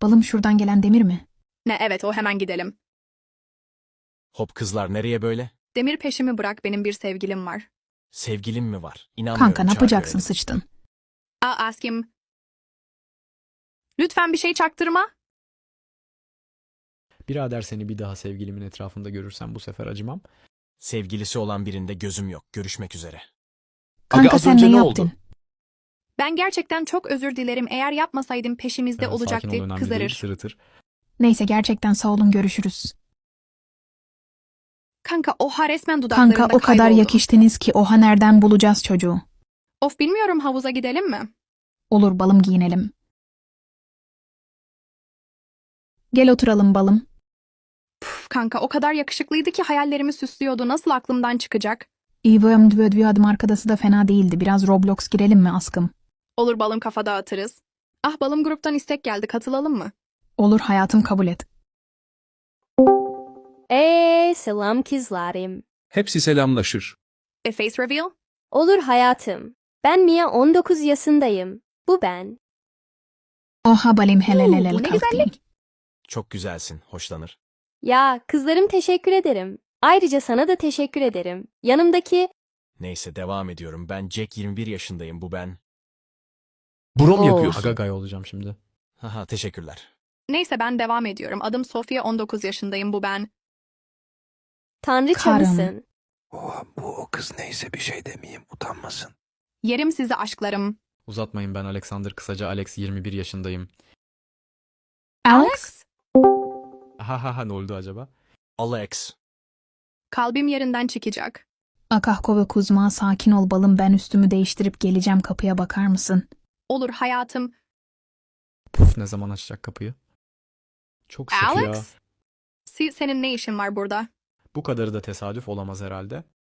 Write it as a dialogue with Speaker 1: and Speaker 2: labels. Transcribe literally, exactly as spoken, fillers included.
Speaker 1: Balım şuradan gelen Demir mi?
Speaker 2: Ne, evet, o, hemen gidelim.
Speaker 3: Hop kızlar, nereye böyle?
Speaker 2: Demir, peşimi bırak, benim bir sevgilim var.
Speaker 3: Sevgilin mi var? İnanmıyorum.
Speaker 1: Kanka ne
Speaker 3: çağır
Speaker 1: yapacaksın,
Speaker 3: görelim.
Speaker 1: sıçtın.
Speaker 2: Aa, askim. Lütfen bir şey çaktırma.
Speaker 4: Birader seni bir daha sevgilimin etrafında görürsem bu sefer acımam.
Speaker 3: Sevgilisi olan birinde gözüm yok. Görüşmek üzere.
Speaker 1: Kanka
Speaker 4: az
Speaker 1: sen
Speaker 4: önce
Speaker 1: ne
Speaker 4: ne
Speaker 1: yaptın?
Speaker 4: oldu?
Speaker 2: Ben gerçekten çok özür dilerim. Eğer yapmasaydım peşimizde
Speaker 4: Ee, sakin ol,
Speaker 2: olacaktı.
Speaker 4: önemli değil,
Speaker 2: Kızarır.
Speaker 4: sırıtır.
Speaker 1: Neyse gerçekten sağ olun, görüşürüz.
Speaker 2: Kanka, oha, resmen dudaklarımda
Speaker 1: Kanka o kadar
Speaker 2: kayboldu.
Speaker 1: yakıştınız ki oha nereden bulacağız çocuğu?
Speaker 2: Of, bilmiyorum, havuza gidelim mi?
Speaker 1: Olur balım, giyinelim. Gel oturalım balım.
Speaker 2: Puf, kanka, o kadar yakışıklıydı ki hayallerimi süslüyordu. Nasıl aklımdan çıkacak?
Speaker 1: İvöm dvödvü adım arkadası da fena değildi. Biraz Roblox girelim mi askım?
Speaker 2: Olur balım, kafa dağıtırız. Ah balım, gruptan istek geldi, katılalım mı?
Speaker 1: Olur hayatım, kabul et.
Speaker 5: Eee selam kızlarım.
Speaker 6: Hepsi selamlaşır.
Speaker 2: E, face reveal?
Speaker 5: Olur hayatım. Ben Mia, on dokuz yaşındayım. Bu ben.
Speaker 1: Oha balım, helal
Speaker 2: Oo,
Speaker 1: helal
Speaker 2: bu ne
Speaker 1: kalktı.
Speaker 2: güzellik.
Speaker 3: Çok güzelsin. Hoşlanır.
Speaker 5: Ya kızlarım, teşekkür ederim. Ayrıca sana da teşekkür ederim. Yanımdaki...
Speaker 3: Neyse, devam ediyorum. Ben Jack, yirmi bir yaşındayım. Bu ben.
Speaker 6: Brom
Speaker 5: Oo.
Speaker 6: yapıyorsun.
Speaker 4: Agagay olacağım şimdi.
Speaker 3: Haha, teşekkürler.
Speaker 2: Neyse, ben devam ediyorum. Adım Sofia, on dokuz yaşındayım. Bu ben.
Speaker 5: Tanrıça
Speaker 1: Karım.
Speaker 5: mısın?
Speaker 7: Oha, bu o kız neyse bir şey demeyeyim, utanmasın.
Speaker 2: Yerim sizi aşklarım.
Speaker 4: Uzatmayın, ben Alexander, kısaca Alex, yirmi bir yaşındayım.
Speaker 1: Alex?
Speaker 4: Ha ha ha, ne oldu acaba?
Speaker 3: Alex.
Speaker 2: Kalbim yerinden çıkacak.
Speaker 1: Akahko ve Kuzma, sakin ol balım, ben üstümü değiştirip geleceğim, kapıya bakar mısın?
Speaker 2: Olur hayatım.
Speaker 4: Puf, ne zaman açacak kapıyı? Çok şık ya.
Speaker 2: Alex? Si- senin ne işin var burada?
Speaker 4: Bu kadarı da tesadüf olamaz herhalde.